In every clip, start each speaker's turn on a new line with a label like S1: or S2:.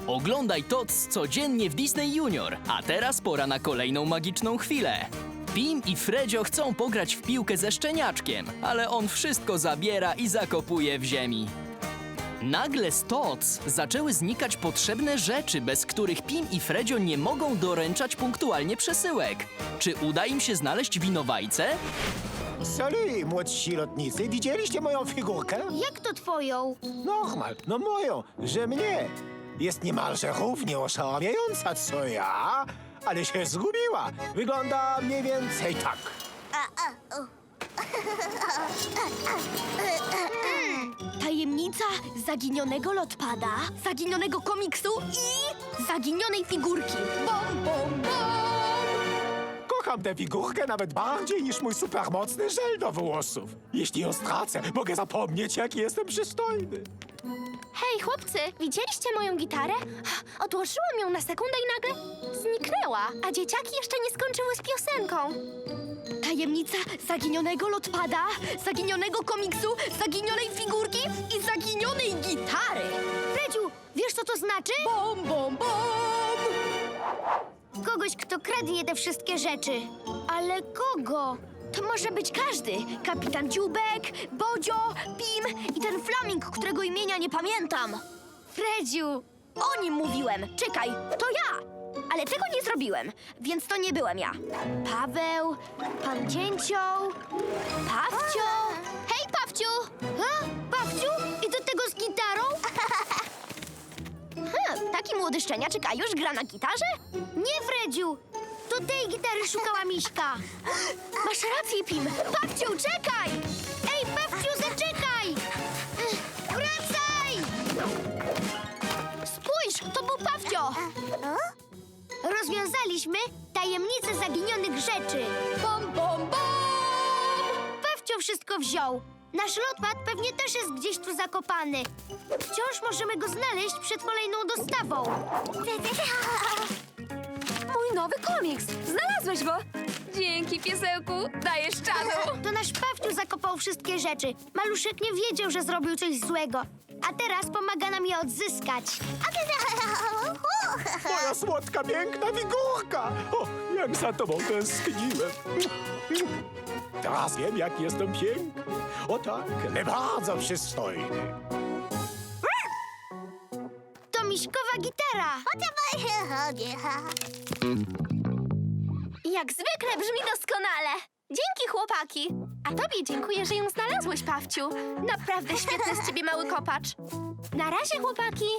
S1: Oglądaj TOC codziennie w Disney Junior, a teraz pora na kolejną magiczną chwilę. Pim i Fredzio chcą pograć w piłkę ze szczeniaczkiem, ale on wszystko zabiera i zakopuje w ziemi. Nagle z TOC zaczęły znikać potrzebne rzeczy, bez których Pim i Fredzio nie mogą doręczać punktualnie przesyłek. Czy uda im się znaleźć winowajcę?
S2: Salut, młodsi lotnicy. Widzieliście moją figurkę?
S3: Jak to twoją?
S2: Normal, no moją, że mnie. Jest niemalże równie oszałamiająca co ja, ale się zgubiła. Wygląda mniej więcej tak.
S3: Tajemnica zaginionego lotpada, zaginionego komiksu i zaginionej figurki. Bom, bom, bom!
S2: Kocham tę figurkę nawet bardziej niż mój supermocny żel do włosów. Jeśli ją stracę, mogę zapomnieć, jaki jestem przystojny.
S3: Hej, chłopcy, widzieliście moją gitarę? Odłożyłam ją na sekundę i nagle zniknęła, a dzieciaki jeszcze nie skończyły z piosenką. Tajemnica zaginionego lotpada, zaginionego komiksu, zaginionej figurki i zaginionej gitary. Fredziu, wiesz co to znaczy? Bom, bom, bom! Kogoś, kto kradnie te wszystkie rzeczy. Ale kogo? To może być każdy. Kapitan Dziubek, Bodzio, Pim i ten flaming, którego imienia nie pamiętam. Fredziu, o nim mówiłem. Czekaj, to ja. Ale tego nie zrobiłem, więc to nie byłem ja. Paweł, pan Cięcioł, Pawcio. Hej, Pawciu! Pawciu? I do tego z gitarą? Taki młody szczeniaczek, a już gra na gitarze? Nie, Fredziu! To tej gitary szukała Miśka. Masz rację, Pim. Pawciu, czekaj! Ej, Pawciu, zaczekaj! Wracaj! Spójrz, to był Pawcio! Rozwiązaliśmy tajemnicę zaginionych rzeczy. Bom, bom, bom! Pawcio wszystko wziął. Nasz lotpad pewnie też jest gdzieś tu zakopany. Wciąż możemy go znaleźć przed kolejną dostawą.
S4: Mój nowy komiks! Znalazłeś go! Dzięki, piesełku! Dajesz czadu!
S3: To nasz Pawciu zakopał wszystkie rzeczy. Maluszek nie wiedział, że zrobił coś złego. A teraz pomaga nam je odzyskać.
S2: Moja słodka, piękna figurka! O, jak za tobą tęskniłem. Teraz wiem, jak jestem piękny. O tak, ale bardzo przystojny.
S3: To Miśkowa gitara. Jak zwykle brzmi doskonale. Dzięki, chłopaki. A tobie dziękuję, że ją znalazłeś, Pawciu. Naprawdę świetny z ciebie mały kopacz. Na razie, chłopaki.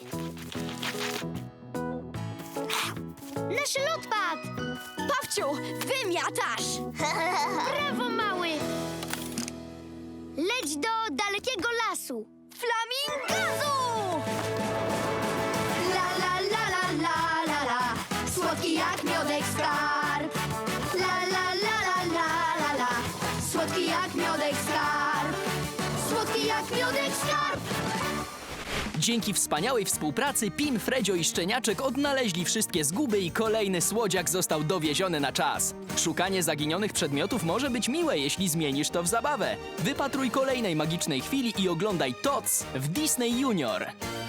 S3: Nasz lotpad! Pawciu, wymiatasz! Brawo, mały! Leć do dalekiego lasu. Flamingazu!
S4: La la la la la la la Słodki jak miodek skarb. La la la la la la la Słodki jak miodek skarb. Słodki jak miodek skarb.
S1: Dzięki wspaniałej współpracy Pim, Fredzio i Szczeniaczek odnaleźli wszystkie zguby i kolejny słodziak został dowieziony na czas. Szukanie zaginionych przedmiotów może być miłe, jeśli zmienisz to w zabawę. Wypatruj kolejnej magicznej chwili i oglądaj TOC w Disney Junior.